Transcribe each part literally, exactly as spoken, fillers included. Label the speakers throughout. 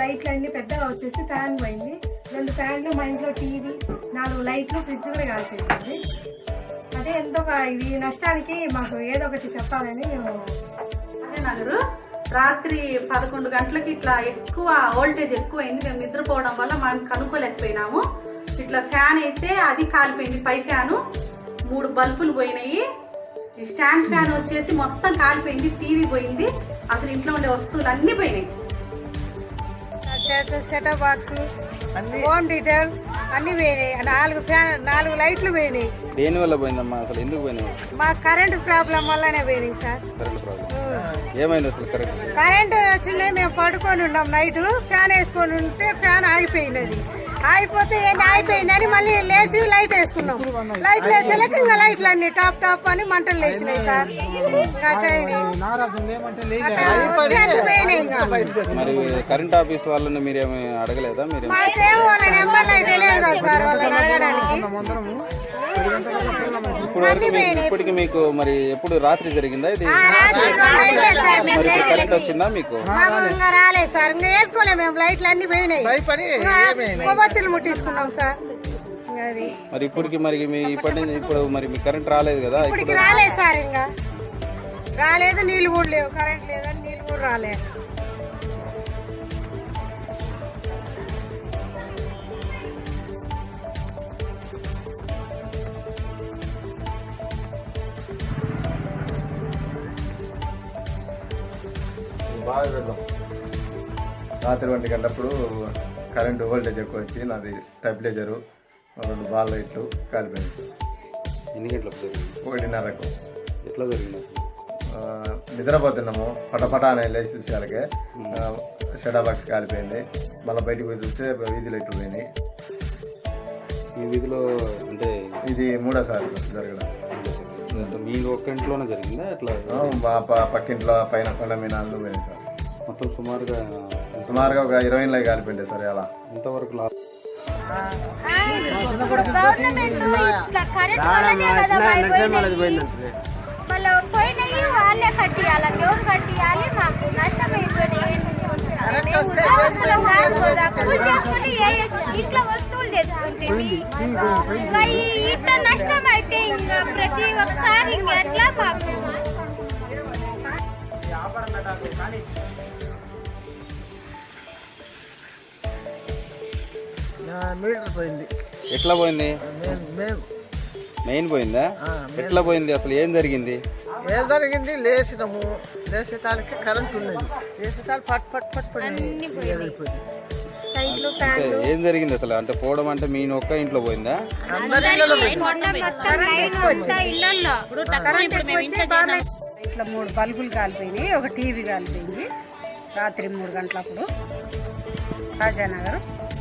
Speaker 1: లైట్లు అన్ని పెద్దగా వచ్చేసి ఫ్యాన్ పోయింది. రెండు ఫ్యాన్లు, మా ఇంట్లో టీవీ, నాలుగు లైట్లు, ఫ్రిడ్జ్ కూడా కాల్చేసింది. అదే ఎంతో ఇది నష్టానికి మాకు ఏదో ఒకటి చెప్పాలని మేము
Speaker 2: నగరు రాత్రి పదకొండు గంటలకి ఇట్లా ఎక్కువ వోల్టేజ్ ఎక్కువైంది. మేము నిద్రపోవడం వల్ల మేము కనుక్కోలేకపోయినాము. ఇట్లా ఫ్యాన్ అయితే అది కాలిపోయింది, పై ఫ్యాను, మూడు బల్బులు పోయినాయి. స్టాండ్ ఫ్యాన్ వచ్చేసి మొత్తం కాలిపోయింది, టీవీ పోయింది, అసలు ఇంట్లో ఉండే వస్తువులు అన్ని పోయినాయి.
Speaker 1: సెటప్ బాక్స్, హోమ్ థియేటర్ అన్ని పోయినాయి. నాలుగు ఫ్యాన్, నాలుగు లైట్లు పోయినాయి.
Speaker 3: దేని వల్ల పోయిందమ్మా? అసలు ఎందుకు పోయినాయి?
Speaker 1: మా కరెంట్ ప్రాబ్లం వల్లనే పోయినాయి సార్.
Speaker 3: కరెంట్ ప్రాబ్లం ఏమైంది అసలు? కరెంట్
Speaker 1: కరెంట్ వచ్చిండే మేము పడుకొని ఉన్నాం, నైట్ ఫ్యాన్ వేసుకొని ఉంటే ఫ్యాన్ ఆగిపోయినది. ఆగిపోతే ఏంటి ఆగిపోయిందని మళ్ళీ లేచి లైట్ వేసుకున్నాం. లైట్ వేసేలాక ఇంకా లైట్లు అన్ని టాప్ టాప్ అని మంటలు లేచినాయి సార్.
Speaker 3: మరి కరెంట్ ఆఫీస్ వాళ్ళని మీరేమి అడగలేదా? మీరు
Speaker 1: మాకేమో వాళ్ళ నెంబర్ తెలియదు కదా సార్ వాళ్ళని అడగడానికి.
Speaker 3: ఇప్పుడు వరకు ఇప్పటికి మీకు మరి ఎప్పుడు రాత్రి జరిగిందా ఇది? కరెంట్ వచ్చిందా మీకు?
Speaker 1: ఇంకా రాలేదు సార్, ఇంకా వేసుకోలేము మేము. లైట్లు అన్ని పోయినాయి, కొవ్వొత్తులు ముట్టించుకున్నాం సార్. అది
Speaker 3: మరి ఇప్పటికి మరి మీ ఇప్పటి నుంచి ఇప్పుడు మరి మీ కరెంట్ రాలేదు కదా?
Speaker 1: ఇప్పటికి రాలేదు సార్, ఇంకా రాలేదు. నీళ్ళు కూడా లేవు, కరెంట్ లేదని నీళ్ళు కూడా రాలేదు.
Speaker 4: బాగా వెళ్దాం. రాత్రి ఒంటి గంటప్పుడు కరెంటు వోల్టేజ్ ఎక్కువ వచ్చి నాది టెంపరేచరు రెండు బాల్ లైట్లు కాలిపోయింది.
Speaker 3: ఎన్ని గంటలకు జరిగింది?
Speaker 4: ఒకటిన్నరకు.
Speaker 3: ఎట్లా జరిగింది అసలు?
Speaker 4: నిద్రపోతున్నాము, పటపట అనే లేచి చూసేలాగే షడా బాక్స్ కాలిపోయింది. మళ్ళీ బయటకు పోయి చూస్తే వీధి లైట్లు పోయినాయి.
Speaker 3: మీ వీధిలో అంటే
Speaker 4: ఇది మూడోసారి జరగడం.
Speaker 3: మీ ఒక్క ఇంట్లోనే జరిగిందా? ఎట్లా?
Speaker 4: పక్కింట్లో పైన కొండ మీద అన్ను పోయింది సార్.
Speaker 3: మొత్తం సుమారుగా
Speaker 4: సుమారుగా ఒక ఇరవై లై కాలిపోయింది సార్. అలా
Speaker 3: ఇంతవరకు లాభం
Speaker 5: వాళ్ళు పోయినాయి, వాళ్ళే కట్టియాలి, ఎవరు కట్టియాలి? మాకు నష్టం అయిపోయినాయి. ఉద్యోగస్తులం కాదు కదా, కూలి చేసుకుని ఇంట్లో వస్తువులు తెచ్చుకుంటే ఇంకా ఇట్లా నష్టం అయితే ఇంకా ప్రతి ఒక్కసారి ఇంకెట్లా మాకు
Speaker 6: మీటర్ పోయింది.
Speaker 3: ఎట్లా పోయింది? మెయిన్ పోయిందా? ఎట్లా పోయింది అసలు? ఏం జరిగింది?
Speaker 6: ఏం జరిగింది? లేచినాము, లేచేటానికి కరెంట్ ఉన్నది, లేచేటానికి పట్ పట్ పట్ పడి
Speaker 3: ఏం జరిగింది అసలు? అంటే పోవడం అంటే మీ ఒక్క ఇంట్లో పోయిందా?
Speaker 1: ఇట్లా మూడు బల్బులు కాలిపోయినాయి, ఒక టీవీ కాలిపోయింది రాత్రి మూడు గంటలప్పుడు రాజానగర్.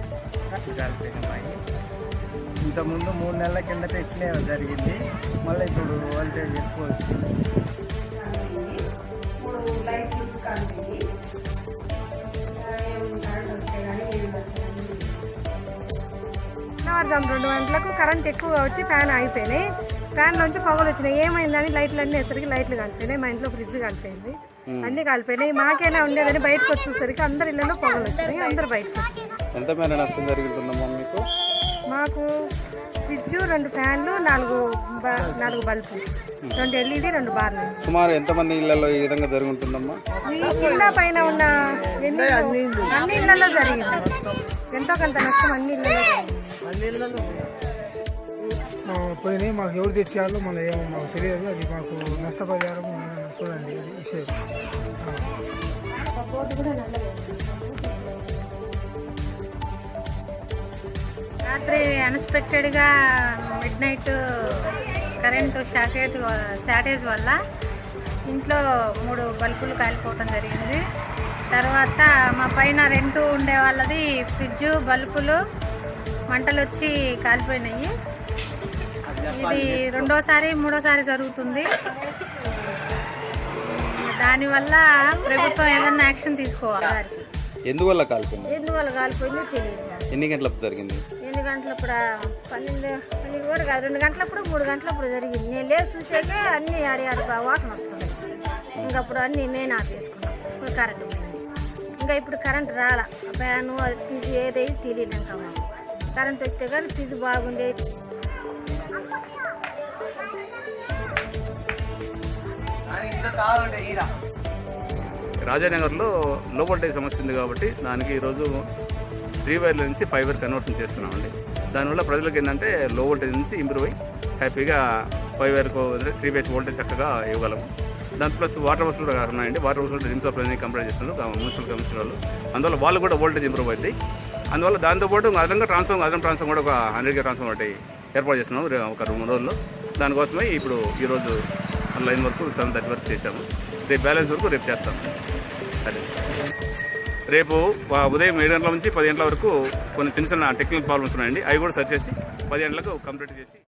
Speaker 6: ఇంతకుముందు మూడు నెలల కిందట ఇట్లే జరిగింది. మళ్ళీ ఇప్పుడు వోల్టేజ్ ఎక్కువ వచ్చింది.
Speaker 1: తెల్లవారుజాము రెండు గంటలకు కరెంట్ ఎక్కువ వచ్చి ఫ్యాన్ ఆగిపోయినాయి. ఫ్యాన్ నుంచి పొగలు వచ్చినాయి. ఏమైందని లైట్లు అన్నీ వేసరికి లైట్లు కాలిపోయినాయి. మా ఇంట్లో ఫ్రిడ్జ్ కాలిపోయింది, అన్ని కాలిపోయినాయి. మాకేనా ఉండేదని బయటకు వచ్చేసరికి అందరి ఇళ్లలో పొగలు వచ్చినాయి, అందరు బయటకు వచ్చినాయి.
Speaker 3: ఎంత మేర నష్టం జరుగుతుందమ్మా మీకు?
Speaker 1: మాకు ఫ్రిడ్జ్, రెండు ఫ్యాన్లు, నాలుగు నాలుగు బల్బులు, రెండు ఎల్ఈడి, రెండు బార్లు.
Speaker 3: సుమారు ఎంతమంది ఇళ్లలో ఈ విధంగా జరుగుతుందమ్మా?
Speaker 1: ఈ కింద పైన ఉన్న ఎన్ని అన్ని ఇళ్లలో జరిగింది. ఎంతో కొంత నష్టం అన్ని ఇళ్లలో
Speaker 6: పోయినాయి. మాకు ఎవరు తెచ్చేయాలో మన ఏమో మాకు తెలియదు. అది మాకు నష్టపరిహారం చూడండి, అది విషయం.
Speaker 7: రాత్రి అన్ఎక్స్పెక్టెడ్గా మిడ్ నైట్ కరెంటు షాకేట్ షార్టేజ్ వల్ల ఇంట్లో మూడు బల్బులు కాలిపోవటం జరిగింది. తర్వాత మా పైన రెంట్ ఉండే వాళ్ళది ఫ్రిడ్జ్, బల్బులు మంటలు వచ్చి కాలిపోయినాయి. ఇది రెండోసారి మూడోసారి జరుగుతుంది. దానివల్ల ప్రభుత్వం ఏదన్నా యాక్షన్ తీసుకోవాలి వారికి.
Speaker 3: ఎందువల్ల కాలిపోయింది?
Speaker 7: ఎందువల్ల కాలిపోయిందో తెలియదు.
Speaker 3: ఎన్ని గంటలకు జరిగింది?
Speaker 7: ఎన్ని గంటలప్పుడు? పన్నెండు పన్నెండు కూడా కాదు, రెండు గంటలప్పుడు మూడు గంటలప్పుడు జరిగింది. నేను లేచి చూసాకే అన్ని ఆడి ఆడి వాసన వస్తుంది. ఇంకప్పుడు అన్ని మేము ఆపేసుకున్నాం, కరెంటు పోయింది. ఇంకా ఇప్పుడు కరెంట్ రాలా ఫ్యాను అది ఫ్రిడ్జ్ ఏదైతే తెలియదు ఇంకా మాకు కరెంట్ వస్తే కానీ ఫ్రిడ్జ్ బాగుండేది.
Speaker 8: రాజానగర్లో లో వోల్టేజ్ సమస్య ఉంది కాబట్టి దానికి ఈరోజు త్రీ వైర్ నుంచి ఫైవ్ వైర్ కన్వర్షన్ చేస్తున్నామండి. దానివల్ల ప్రజలకు ఏంటంటే లో వోల్టేజ్ నుంచి ఇంప్రూవ్ అయ్యి హ్యాపీగా ఫైవ్ వైర్కు త్రీ ఫేస్ వోల్టేజ్ చక్కగా ఇవ్వగలము. దాని ప్లస్ వాటర్ వర్క్స్ కూడా ఉన్నాయండి. వాటర్ వర్క్స్ రిమ్స్ ఆఫ్ కంప్లైంట్ చేస్తున్నారు మున్సిపల్ కమిషనర్ వాళ్ళు. అందువల్ల వాళ్ళు కూడా వోల్టేజ్ ఇంప్రూవ్ అవుతాయి. అందువల్ల దాంతోపాటు అదనంగా ట్రాన్స్ఫార్మర్ అదనం ట్రాన్స్ఫార్మర్ కూడా ఒక హండ్రెడ్ కే ట్రాన్స్ఫార్మర్ ఒకటి ఏర్పాటు చేస్తున్నాం ఒక రెండు రోజుల్లో. దానికోసమే ఇప్పుడు ఈరోజు లైన్ వరకు సెవెన్ థర్టీ వరకు చేశాము. రేపు బ్యాలెన్స్ వరకు రేపు చేస్తాము. అదే రేపు ఉదయం ఏడు గంటల నుంచి పది గంటల వరకు కొన్ని చిన్న చిన్న టెక్నికల్ ప్రాబ్లమ్స్ ఉన్నాయండి. అవి కూడా సరి చేసి పది గంటలకు కంప్లీట్ చేసి